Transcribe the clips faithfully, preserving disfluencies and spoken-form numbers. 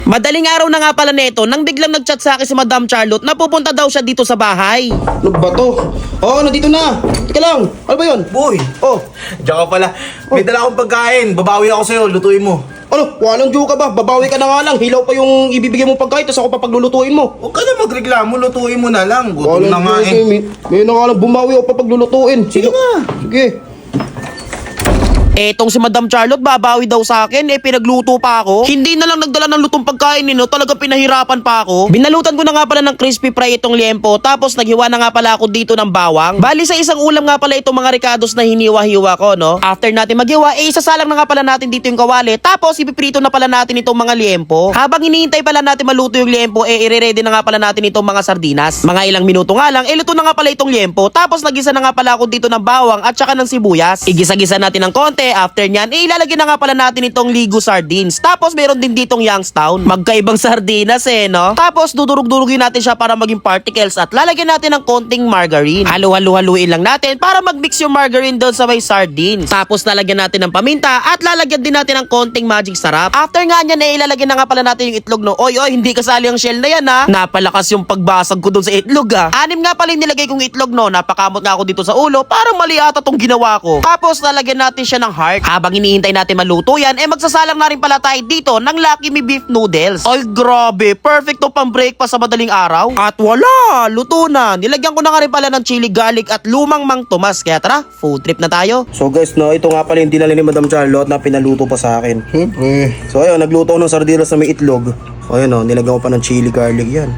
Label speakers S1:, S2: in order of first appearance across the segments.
S1: Madaling araw na nga pala neto nang biglang nagchat sa akin si Madam Charlotte na pupunta daw siya dito sa bahay.
S2: Ano ba to? Oo, oh, nandito na. Teka lang, ano ba yun?
S3: Boy!
S2: Oh,
S3: Diyan ka pala. May dala akong pagkain. Babawi ako sa'yo. Lutuin mo.
S2: ano? Walang joke ka ba? Babawi ka na nga lang. Hilaw pa yung ibibigay mo pagkain, tapos ako pa paglulutuin mo.
S3: Huwag ka na magreklamo. Lutuin mo na lang. Gutom na nga
S2: joke
S3: eh.
S2: May, may na nga lang bumawi ako pa paglulutuin.
S3: Sige na.
S2: Sige.
S1: Etong si Madam Charlotte babawi daw sa akin, eh pinagluto pa ako. Hindi na lang nagdala ng lutong pagkain nino, talaga pinahirapan pa ako. Binalutan ko na nga pala ng crispy fry itong liempo, tapos naghiwa na nga pala ako dito ng bawang. Bali sa isang ulam nga pala itong mga ricados na hiniwa-hiwa ko, no? After natin maghiwa, eh isasalang na nga pala natin dito yung kawali, tapos ipiprito na pala natin itong mga liempo. Habang hinihintay pala natin maluto yung liempo, eh ire-ready na nga pala natin itong mga sardinas. Mga ilang minuto nga lang, eh luto na nga pala itong liempo, tapos nagisa na nga pala ako dito ng bawang at saka ng sibuyas. Igisa-gisa natin ng konti. After nyan, eh ilalagyan na nga pala natin itong Ligo sardines. Tapos meron din ditong Youngstown. Magkaibang sardinas eh, no? Tapos dudurug-durugin natin siya para maging particles at lalagyan natin ng konting margarine. Halu-halu-haluin lang natin para mag-mix yung margarine doon sa may sardines. Tapos lalagyan natin ng paminta at lalagyan din natin ng konting magic sarap. After nga nyan, eh ilalagyan na nga pala natin yung itlog, no? Oy, oy, hindi kasali ang shell na yan, ha? Napalakas yung pagbasag ko doon sa itlog, ha? Anim nga pala yung nilagay kong itlog, no? Napakamot nga ako dito sa ulo. Parang mali ata tong ginawa ko. Tapos lalagyan natin siya ng heart. Habang hinihintay natin maluto yan, eh magsasalang na rin pala tayo dito ng Lucky Me Beef Noodles. Ay grabe, perfect to pang breakfast sa madaling araw. At wala, luto na. Nilagyan ko na nga rin pala ng chili garlic at lumang Mang Tomas. Kaya tara, food trip na tayo.
S2: So guys, no, ito nga pala yung dinala ni Madam Charlotte na pinaluto pa sa akin.
S3: Siyempre.
S2: So ayun, nagluto ako ng sardinas na may itlog. So ayun, oh, nilagyan ko pa ng chili garlic yan.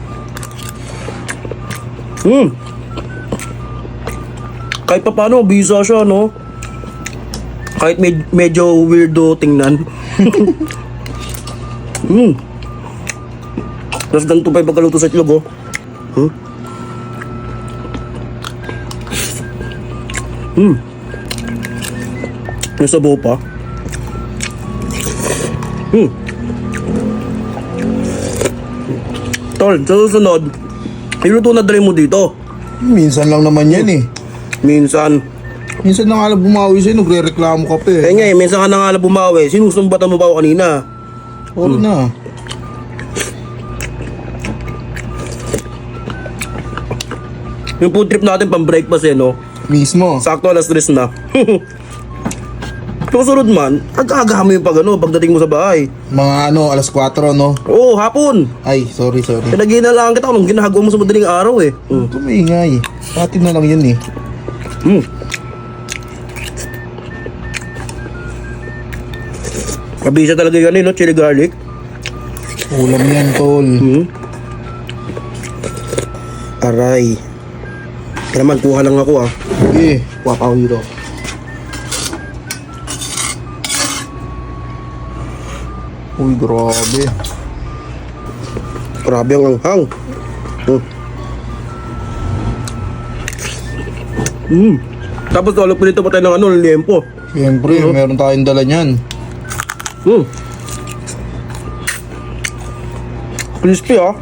S2: Hmm. Kahit pa paano, bisa siya, no? Kahit med- medyo weirdo tingnan. Hmm. Tapos ganito pa yung pagkaluto sa itlog, oh. Hmm. Hmm. Yung sabaw pa. Hmm. Tol, sa susunod, iluto na dali mo dito.
S3: Minsan lang naman yan eh.
S2: Minsan.
S3: Minsan na nga lang bumawi sa'yo. Nagre-reklamo ka pa eh.
S2: Kaya nga eh, minsan ka na nga lang bumawi. Sinusumbatan mo ba ako kanina?
S3: Oo na.
S2: Yung food trip natin pang breakfast eh, no?
S3: Mismo.
S2: Sakto alas tres na. Susunod man, agagahan mo yung pag ano, pagdating mo sa bahay.
S3: Mga ano, alas kwatro no?
S2: Oo, hapon.
S3: Ay, sorry, sorry.
S2: Pinag-iinalaan kita kung ginagawa mo sa madaling araw eh. Hmm.
S3: Tumingay. Pati na lang yun eh.
S2: Hmm. Kabisa talaga yan eh, no? Chili garlic.
S3: Ulam yan, tol.
S2: Hmm. Aray. Kaya naman, kuha lang ako ah.
S3: Sige.
S2: Kuha pa ako dito.
S3: Uy, grabe.
S2: Grabe ang anghang. Hmm. Hmm. Tapos tulog pa dito pa tayo ng ano, liempo.
S3: Siyempre, meron tayong dala niyan.
S2: Hmm. Crispy ah.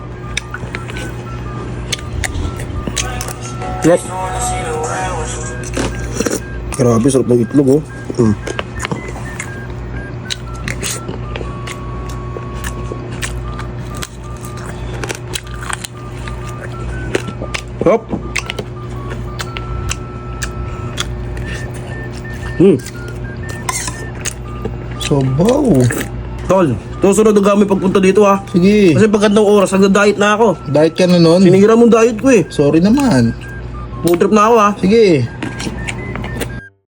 S2: Yes. Grabe, sarap ng itlog oh. Hmm. Hop. Hmm.
S3: Sabaw.
S2: Tol, susunod na kami pagpunta dito ha.
S3: Sige.
S2: Kasi pagkantong oras, nagda-diet na ako.
S3: Diet ka na nun?
S2: Sinira mo diet ko eh.
S3: Sorry naman.
S2: Food trip na ako ha.
S3: Sige.